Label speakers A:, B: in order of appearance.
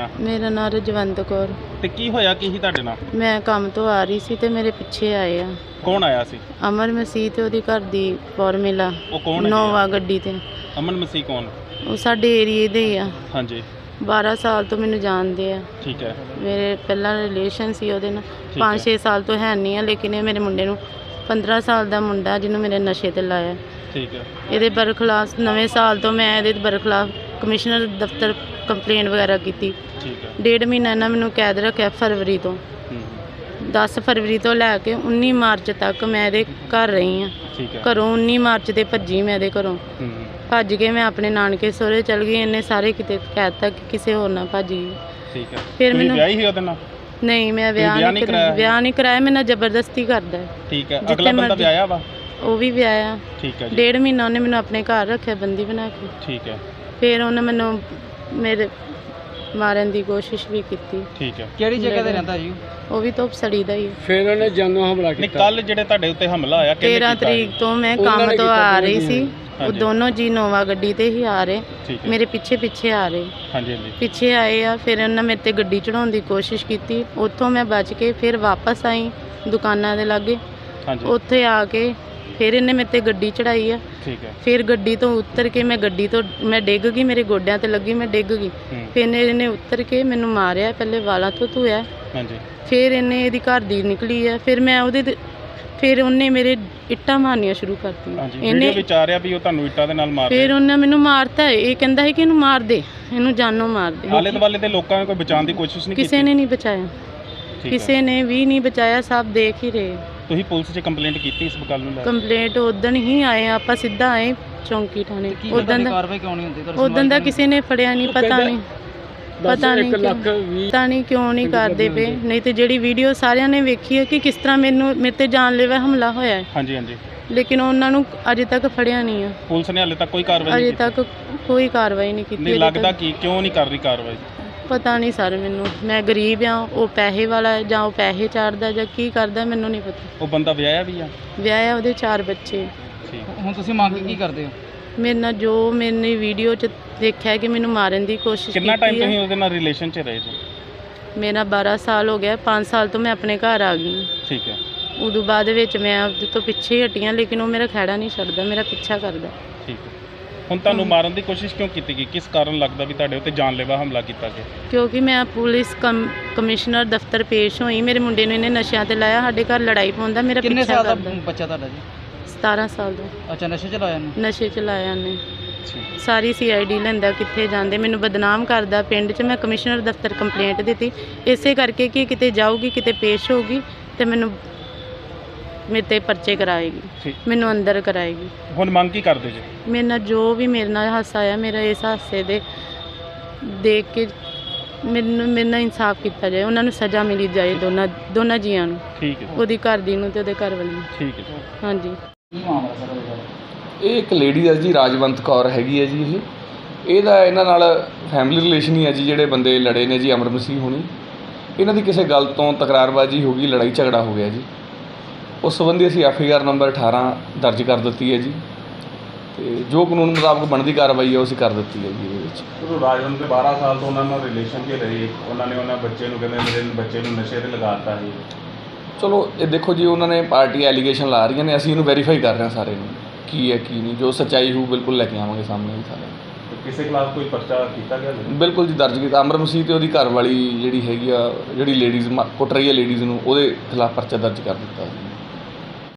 A: ਨਾਂ?
B: ਮੇਰਾ ਨਾਂ ਰਜਵੰਤ ਕੌਰ।
A: ਤੇ ਕੀ ਹੋਇਆ ਕੀ ਸੀ ਤੁਹਾਡੇ ਨਾਲ?
B: ਮੈਂ ਕੰਮ ਤੋਂ ਆ ਰਹੀ ਸੀ ਤੇ ਮੇਰੇ ਪਿੱਛੇ ਆਏ ਆ
A: ਕੌਣ ਆਇਆ ਸੀ?
B: ਅਮਰ ਮਸੀਹ ਤੇ ਉਹਦੀ ਘਰ ਦੀ ਫੋਰਮਿਲਾ
A: ਉਹ ਕੌਣ ਹੈਗੇ ਆ?
B: ਨੋਵਾ ਗੱਡੀ ਤੇ।
A: ਅਮਨ ਮਸੀਹ ਕੌਣ?
B: ਉਹ ਸਾਡੇ ਏਰੀਏ ਦੇ ਹੀ ਆ।
A: ਹਾਂਜੀ
B: 12 ਸਾਲ ਤੋਂ ਮੈਨੂੰ ਜਾਣਦੇ ਆ।
A: ਠੀਕ ਹੈ।
B: ਮੇਰੇ ਪਹਿਲਾਂ ਰਿਲੇਸ਼ਨ ਸੀ ਉਹਦੇ ਨਾਲ।
A: ਠੀਕ ਹੈ।
B: 5-6 ਸਾਲ ਤੋਂ ਹੈ ਨਹੀਂ ਆ, ਲੇਕਿਨ ਇਹ ਮੇਰੇ ਮੁੰਡੇ ਨੂੰ 15 ਸਾਲ ਦਾ ਮੁੰਡਾ ਜਿਹਨੂੰ ਮੇਰੇ ਨਸ਼ੇ ਤੇ ਲਾਇਆ।
A: ਠੀਕ ਹੈ।
B: ਇਹਦੇ ਬਰਖਲਾਫ ਨਵੇਂ ਸਾਲ ਤੋਂ ਮੈਂ ਇਹਦੇ ਬਰਖਲਾਫ ਕਮਿਸ਼ਨਰ ਦਫ਼ਤਰ ਕੰਪਲੇਂਟ ਵਗੈਰਾ ਕੀਤੀ।
A: ਠੀਕ ਹੈ।
B: 1.5 ਮਹੀਨਾ ਇਹਨਾਂ ਮੈਨੂੰ ਕੈਦ ਰੱਖਿਆ ਫਰਵਰੀ ਤੋਂ। 10 ਫਰਵਰੀ ਤੋਂ ਲੈ ਕੇ 19 ਮਾਰਚ ਤੱਕ ਮੈਂ ਇਹਦੇ ਘਰ ਰਹੀ ਹਾਂ।
A: ਠੀਕ ਹੈ।
B: ਘਰੋਂ 19 ਮਾਰਚ ਤੇ ਭੱਜੀ ਮੈਂ ਇਹਦੇ ਘਰੋਂ। ਭੱਜ ਕੇ ਮੈਂ ਆਪਣੇ ਨਾਨਕੇ ਸਹੁਰੇ ਚਲ ਗਈ। ਇਹਨੇ ਸਾਰੇ ਕਿਤੇ ਕਹਿ ਦਿੱਤਾ ਕਿ ਕਿਸੇ ਹੋਰ ਨਾਲ ਭੱਜ ਗਈ।
A: ਠੀਕ ਹੈ।
B: ਫਿਰ ਮੈਨੂੰ
A: ਵਿਆਹੀ ਸੀ ਉਹਦੇ ਨਾਲ?
B: ਨਹੀਂ, ਮੈਂ ਵਿਆਹ ਨਹੀਂ ਕਰਾਇਆ। ਮੇਰੇ ਨਾਲ ਜ਼ਬਰਦਸਤੀ ਕਰਦਾ ਹੈ।
A: ਠੀਕ ਹੈ। ਅਗਲਾ ਬੰਦਾ ਵਿਆਹਿਆ ਵਾ? ਉਹ
B: ਵੀ ਵਿਆਹਿਆ।
A: ਠੀਕ ਹੈ ਜੀ।
B: 1.5 ਮਹੀਨਾ ਉਹਨੇ ਮੈਨੂੰ ਆਪਣੇ ਘਰ ਰੱਖਿਆ ਬੰਦੀ ਬਣਾ ਕੇ।
A: ਠੀਕ ਹੈ।
B: ਫਿਰ ਉਹਨੇ ਮੈਨੂੰ ਮੇਰੇ ਮਾਰਨ ਦੀ ਕੋਸ਼ਿਸ਼ ਵੀ ਕੀਤੀ।
A: ਠੀਕ ਹੈ।
C: ਕਿਹੜੀ ਜਗ੍ਹਾ ਤੇ ਰਹਿੰਦਾ ਜੀ?
B: ਉਹ ਵੀ ਧੁੱਪ ਸੜੀ ਦਾ ਹੀ ਹੈ।
C: ਫਿਰ ਉਹਨੇ ਜਾਨੋਂ ਹਮਲਾ ਕੀਤਾ।
A: ਕੱਲ ਜਿਹੜੇ ਤੁਹਾਡੇ ਉੱਤੇ ਹਮਲਾ ਹੋਇਆ ਕਿਹਨੇ ਕੀਤਾ?
B: 13 ਤਰੀਕ ਤੋਂ ਮੈਂ ਕੰਮ ਤੋਂ ਆ ਰਹੀ ਸੀ। ਉਹ ਦੋਨੋਂ ਜੀ ਨੋਵਾ ਗੱਡੀ ਤੇ ਹੀ ਆ ਰਹੇ, ਮੇਰੇ ਪਿੱਛੇ ਆ ਰਹੇ।
A: ਹਾਂਜੀ ਹਾਂਜੀ।
B: ਪਿੱਛੇ ਆਏ ਆ। ਫਿਰ ਉਹਨਾਂ ਮੇਰੇ ਤੇ ਗੱਡੀ ਚੜਾਉਣ ਦੀ ਕੋਸ਼ਿਸ਼ ਕੀਤੀ। ਉੱਥੋਂ ਮੈਂ ਬਚ ਕੇ ਫਿਰ ਵਾਪਸ ਆਈ ਦੁਕਾਨਾਂ ਦੇ ਲਾਗੇ।
A: ਹਾਂਜੀ।
B: ਉੱਥੇ ਆ ਕੇ ਫਿਰ ਇਹਨੇ ਮੇਰੇ ਤੇ ਗੱਡੀ ਚੜਾਈ ਆ।
A: ਠੀਕ ਹੈ।
B: ਫਿਰ ਗੱਡੀ ਤੋਂ ਉਤਰ ਕੇ ਮੈਂ ਡਿੱਗ ਗਈ। ਮੇਰੇ ਗੋਡਿਆਂ ਤੇ ਲੱਗੀ, ਮੈਂ ਡਿੱਗ ਗਈ। ਫਿਰ ਇਹਨੇ ਉਤਰ ਕੇ ਮੈਨੂੰ ਮਾਰਿਆ, ਪਹਿਲੇ ਵਾਲਾਂ ਤੋਂ ਧੋਇਆ।
A: ਹਾਂਜੀ। ਫਿਰ
B: ਇਹਨੇ ਇਹਦੀ ਘਰ ਦੀ ਨਿਕਲੀ ਆ। ਫਿਰ ਉਹਨੇ ਮੇਰੇ ਇੱਟਾਂ ਮਾਰਨੀਆਂ ਸ਼ੁਰੂ ਕਰਤੀਆਂ।
A: ਇਹਨੇ ਵਿਚਾਰਿਆ ਵੀ ਉਹ ਤੁਹਾਨੂੰ ਇੱਟਾਂ ਦੇ ਨਾਲ ਮਾਰ
B: ਫਿਰ ਉਹਨੇ ਮੈਨੂੰ ਮਾਰਤਾ। ਇਹ ਕਹਿੰਦਾ ਹੈ ਕਿ ਇਹਨੂੰ ਮਾਰ ਦੇ, ਇਹਨੂੰ ਜਾਨੋਂ ਮਾਰ ਦੇ।
A: ਆਲੇ ਦੁਆਲੇ ਦੇ ਲੋਕਾਂ ਨੇ ਕੋਈ ਬਚਾਉਣ ਦੀ ਕੋਸ਼ਿਸ਼ ਨਹੀਂ ਕੀਤੀ?
B: ਕਿਸੇ ਨੇ ਨਹੀਂ ਬਚਾਇਆ, ਕਿਸੇ ਨੇ ਵੀ ਨਹੀਂ ਬਚਾਇਆ। ਸਭ ਦੇਖ ਹੀ ਰਹੇ।
A: ਤੁਸੀਂ ਪੁਲਿਸ 'ਚ ਕੰਪਲੇਂਟ ਕੀਤੀ ਇਸ ਗੱਲ ਨੂੰ ਲੈ ਕੇ?
B: ਕੰਪਲੇਂਟ ਉਦਣ ਹੀ ਆਏ ਆਪਾਂ, ਸਿੱਧਾ ਆਏ ਚੌਂਕੀ ਥਾਣੇ। ਉਦੋਂ ਦਾ
C: ਕਾਰਵਾਈ ਕਿਉਂ ਨਹੀਂ ਹੁੰਦੀ?
B: ਉਦੋਂ ਦਾ ਕਿਸੇ ਨੇ ਫੜਿਆ ਨਹੀਂ। ਪਤਾ ਨਹੀਂ ਕਿਉਂ ਨਹੀਂ ਕਰਦੇ ਪਏ। ਨਹੀਂ ਤੇ ਜਿਹੜੀ ਵੀਡੀਓ ਸਾਰਿਆਂ ਨੇ ਵੇਖੀ ਹੈ ਕਿ ਕਿਸ ਤਰ੍ਹਾਂ ਮੇਰੇ ਤੇ ਜਾਨਲੇਵਾ ਹਮਲਾ ਹੋਇਆ ਹੈ।
A: ਹਾਂਜੀ ਹਾਂਜੀ।
B: ਲੇਕਿਨ ਉਹਨਾਂ ਨੂੰ ਅਜੇ ਤੱਕ ਫੜਿਆ ਨਹੀਂ ਆ।
A: ਪੁਲਿਸ ਨੇ ਹਾਲੇ ਤੱਕ ਕੋਈ ਕਾਰਵਾਈ ਨਹੀਂ ਕੀਤੀ?
B: ਅਜੇ ਤੱਕ ਕੋਈ ਕਾਰਵਾਈ ਨਹੀਂ ਕੀਤੀ।
A: ਨਹੀਂ ਲੱਗਦਾ ਕਿ ਕਿਉਂ ਨਹੀਂ ਕਰ ਰਹੀ ਕਾਰਵਾਈ?
B: ਪਤਾ ਨਹੀਂ ਸਰ ਮੈਨੂੰ। ਮੈਂ ਗਰੀਬ ਆ, ਉਹ ਪੈਸੇ ਵਾਲਾ ਹੈ, ਜਾਂ ਉਹ ਪੈਸੇ ਚਾੜਦਾ ਜਾਂ ਕੀ ਕਰਦਾ ਮੈਨੂੰ ਨਹੀਂ ਪਤਾ।
A: ਉਹ ਬੰਦਾ ਵਿਆਹਿਆ ਵੀ ਆ?
B: ਵਿਆਹਿਆ, ਉਹਦੇ 4 ਬੱਚੇ।
C: ਹੁਣ ਤੁਸੀਂ ਮੰਗ ਕੀ ਕਰਦੇ ਹੋ?
B: ਮੇਰੇ ਨਾਲ ਜੋ ਮੈंने ਵੀਡੀਓ 'ਚ ਦੇਖਿਆ ਕਿ ਮੈਨੂੰ ਮਾਰਨ ਦੀ ਕੋਸ਼ਿਸ਼ ਕੀਤੀ।
A: ਕਿੰਨਾ ਟਾਈਮ ਤੁਸੀਂ ਉਹਦੇ ਨਾਲ ਰਿਲੇਸ਼ਨ 'ਚ ਰਹੇ ਜੀ?
B: ਮੇਰਾ 12 ਸਾਲ ਹੋ ਗਿਆ। 5 ਸਾਲ ਤੋਂ ਮੈਂ ਆਪਣੇ ਘਰ ਆ ਗਈ।
A: ਠੀਕ ਹੈ।
B: ਉਦੋਂ ਬਾਅਦ ਵਿੱਚ ਮੈਂ ਉਹਦੇ ਤੋਂ ਪਿੱਛੇ ਹੀ ਹਟੀਆਂ, ਲੇਕਿਨ ਉਹ ਮੇਰਾ ਖਹਿੜਾ ਨਹੀਂ ਛੱਡਦਾ, ਮੇਰਾ ਪਿੱਛਾ ਕਰਦਾ।
A: ਠੀਕ ਹੈ। ਹੁਣ ਤੁਹਾਨੂੰ ਮਾਰਨ ਦੀ ਕੋਸ਼ਿਸ਼ ਕਿਉਂ ਕੀਤੀ ਗਈ? ਕਿਸ ਕਾਰਨ ਲੱਗਦਾ ਵੀ ਤੁਹਾਡੇ ਉੱਤੇ ਜਾਨਲੇਵਾ ਹਮਲਾ ਕੀਤਾ ਗਿਆ?
B: ਕਿਉਂਕਿ ਮੈਂ ਪੁਲਿਸ ਕਮਿਸ਼ਨਰ ਦਫ਼ਤਰ ਪੇਸ਼ ਹੋਈ। ਮੇਰੇ ਮੁੰਡੇ ਨੂੰ ਇਹਨੇ ਨਸ਼ਿਆਂ ਤੇ ਲਾਇਆ, ਸਾਡੇ ਘਰ ਲੜਾਈ ਪਾਉਂਦਾ, ਮੇਰਾ ਪਿੱਛਾ ਕਰਦਾ।
C: ਕਿੰਨੇ ਸਾਲ ਦਾ ਬੱਚਾ ਤੁਹਾਡਾ ਜੀ?
B: 17 ਸਾਲ ਦਾ।
C: ਅੱਛਾ, ਨਸ਼ੇ ਚ ਲਾਇਆ ਇਹਨੇ?
B: ਨਸ਼ੇ 'ਚ ਲਾਇਆ ਉਹਨੇ। ਸਾਰੀ CID ਲੈਂਦਾ, ਕਿੱਥੇ ਜਾਂਦੇ, ਮੈਨੂੰ ਬਦਨਾਮ ਕਰਦਾ ਪਿੰਡ 'ਚ। ਮੈਂ ਕਮਿਸ਼ਨਰ ਦਫ਼ਤਰ ਕੰਪਲੇਂਟ ਦਿੱਤੀ ਇਸੇ ਕਰਕੇ ਕਿ ਕਿਤੇ ਜਾਊਗੀ, ਕਿਤੇ ਪੇਸ਼ ਹੋਊਗੀ ਤੇ ਮੈਨੂੰ ਮੇਰੇ 'ਤੇ ਪਰਚੇ ਕਰਾਏਗੀ, ਮੈਨੂੰ ਅੰਦਰ ਕਰਾਏਗੀ।
A: ਹੁਣ ਮੰਗ ਕੀ ਕਰਦੇ ਜੀ? ਮੇਰੇ
B: ਨਾਲ ਜੋ ਵੀ ਮੇਰੇ ਨਾਲ ਹਾਸਾ ਆਇਆ, ਮੇਰਾ ਇਸ ਹਾਸੇ ਦੇ ਦੇਖ ਕੇ ਮੇਰੇ ਨਾਲ ਇਨਸਾਫ ਕੀਤਾ ਜਾਏ। ਉਹਨਾਂ ਨੂੰ ਸਜ਼ਾ ਮਿਲੀ ਜਾਏ, ਦੋਨਾਂ ਜੀਆਂ ਨੂੰ।
A: ਠੀਕ ਹੈ।
B: ਉਹਦੀ ਘਰ ਦੀ ਨੂੰ ਤੇ ਉਹਦੇ ਘਰ ਵਾਲੀ ਨੂੰ।
A: ਠੀਕ ਹੈ।
B: ਹਾਂਜੀ।
C: ਕੀ ਮਾਮਲਾ ਸਰ?
D: ਇਹ ਇੱਕ ਲੇਡੀ ਹੈ ਜੀ, ਰਾਜਵੰਤ ਕੌਰ ਹੈਗੀ ਹੈ ਜੀ। ਇਹਦਾ ਇਹਨਾਂ ਨਾਲ ਫੈਮਿਲੀ ਰਿਲੇਸ਼ਨ ਹੀ ਹੈ ਜੀ। ਜਿਹੜੇ ਬੰਦੇ ਲੜੇ ਨੇ ਜੀ, ਅਮਰ ਮਸੀਹ ਹੋਣੀ, ਇਹਨਾਂ ਦੀ ਕਿਸੇ ਗੱਲ ਤੋਂ ਤਕਰਾਰਬਾਜ਼ੀ ਹੋ ਗਈ, ਲੜਾਈ ਝਗੜਾ ਹੋ ਗਿਆ ਜੀ। ਉਸ ਸੰਬੰਧੀ ਅਸੀਂ FIR ਨੰਬਰ 18 ਦਰਜ ਕਰ ਦਿੱਤੀ ਹੈ ਜੀ, ਤੇ ਜੋ ਕਾਨੂੰਨ ਮੁਤਾਬਕ ਬਣਦੀ ਕਾਰਵਾਈ ਹੈ ਉਹ ਅਸੀਂ ਕਰ ਦਿੱਤੀ ਹੈ ਜੀ। ਇਹਦੇ ਵਿੱਚ
A: ਰਾਜਵੰਤ ਦੇ 12 ਸਾਲ ਤੋਂ ਉਹਨਾਂ ਨਾਲ ਰਿਲੇਸ਼ਨ 'ਚ ਰਹੇ। ਉਹਨਾਂ ਨੇ ਉਹਨਾਂ ਬੱਚੇ ਨੂੰ ਕਹਿੰਦੇ ਮੇਰੇ ਬੱਚੇ ਨੂੰ ਨਸ਼ੇ 'ਤੇ ਲਗਾ ਦਿੱਤਾ ਸੀ।
D: ਚਲੋ ਇਹ ਦੇਖੋ ਜੀ, ਉਹਨਾਂ ਨੇ ਪਾਰਟੀ ਐਲੀਗੇਸ਼ਨ ਲਾ ਰਹੀਆਂ ਨੇ, ਅਸੀਂ ਇਹਨੂੰ ਵੈਰੀਫਾਈ ਕਰ ਰਹੇ ਹਾਂ ਸਾਰੇ ਨੂੰ, ਕੀ ਹੈ ਕੀ ਨਹੀਂ। ਜੋ ਸੱਚਾਈ ਹੋਊ ਬਿਲਕੁਲ ਲੈ ਕੇ ਆਵਾਂਗੇ ਸਾਹਮਣੇ ਜੀ ਸਾਰੇ।
A: ਕਿਸੇ ਖਿਲਾਫ ਕੋਈ ਪਰਚਾ ਕੀਤਾ ਗਿਆ?
D: ਬਿਲਕੁਲ ਜੀ, ਦਰਜ ਕੀਤਾ। ਅਮਰ ਮਸੀਹ ਤੇ ਉਹਦੀ ਘਰ ਵਾਲੀ ਜਿਹੜੀ ਹੈਗੀ ਆ, ਜਿਹੜੀ ਲੇਡੀਜ਼ ਕੁੱਟ ਰਹੀ ਹੈ ਲੇਡੀਜ਼ ਨੂੰ, ਉਹਦੇ ਖਿਲਾਫ ਪਰਚਾ ਦਰਜ ਕਰ ਦਿੱਤਾ।